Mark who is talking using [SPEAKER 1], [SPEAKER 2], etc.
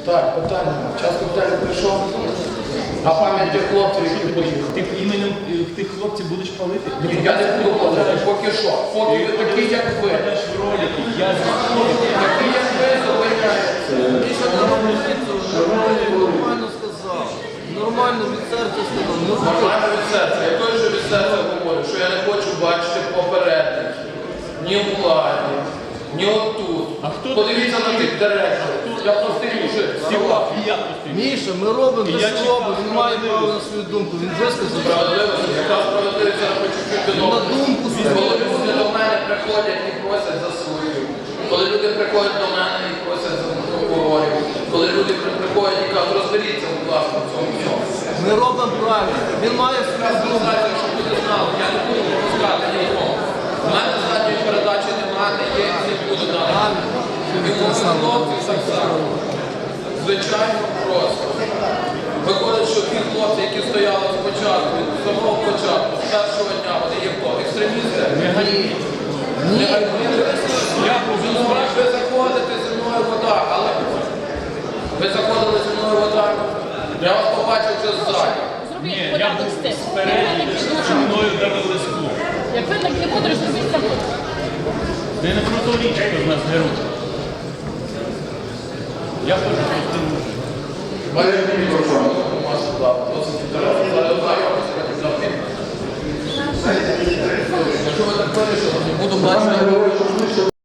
[SPEAKER 1] Так, питання. Час питання прийшов. А пам'ять тих хлопців, які поїхали.
[SPEAKER 2] Ти іменем тих хлопців будеш палити?
[SPEAKER 1] Я не буду палити, поки що. Поки ви такі, як ви.
[SPEAKER 2] Покажеш в ролики, я
[SPEAKER 1] Такі, як ви, зупиняєте.
[SPEAKER 3] Нормально сказав. Нормально від серця сказав.
[SPEAKER 1] Нормально від серця. Я той же від серця говорю, що я не хочу бачити попередників. Ні в владі, ні отут.
[SPEAKER 2] А хто
[SPEAKER 1] Подивіться на тих директорів. Я простий мужик.
[SPEAKER 2] я пустив.
[SPEAKER 3] Міша, ми робимо,
[SPEAKER 2] Я
[SPEAKER 3] те, що
[SPEAKER 2] чекав
[SPEAKER 3] робимо. Він має право на свою думку. Він висказав.
[SPEAKER 1] Справедливість, яка справедливість, я хочу чути
[SPEAKER 3] На думку
[SPEAKER 1] Коли
[SPEAKER 3] свою.
[SPEAKER 1] люди до мене приходять і просять за свою. Коли люди приходять до мене і просять за прокурорів. Коли люди приходять і кажуть, розберіться, будь ласка, в цьому всьому.
[SPEAKER 3] Ми робимо правильно. Він має свою думку.
[SPEAKER 1] Знаєте, щоб люди знали, я не буду пропускати нікого. У мене задньої передачі немає, не є, і не буде далі. І кожен хлопці так само. Звичайно, просто. Виходить, що ті хлопці, які стояли спочатку, від самого початку, з першого дня, вони є хто? Екстремісти? Ні. Ви заходите зі мною в вода, але ви заходили зі мною в вода. Я вас побачив вже ззаді.
[SPEAKER 2] Ні, я був спереді, зі мною дали лиску.
[SPEAKER 4] Як ви так не будете, зробіть це.
[SPEAKER 2] Ти не про ту річ, хто з нас герой. Я хочу простим мужик.
[SPEAKER 1] Якщо ви так вирішили, не буду бачити.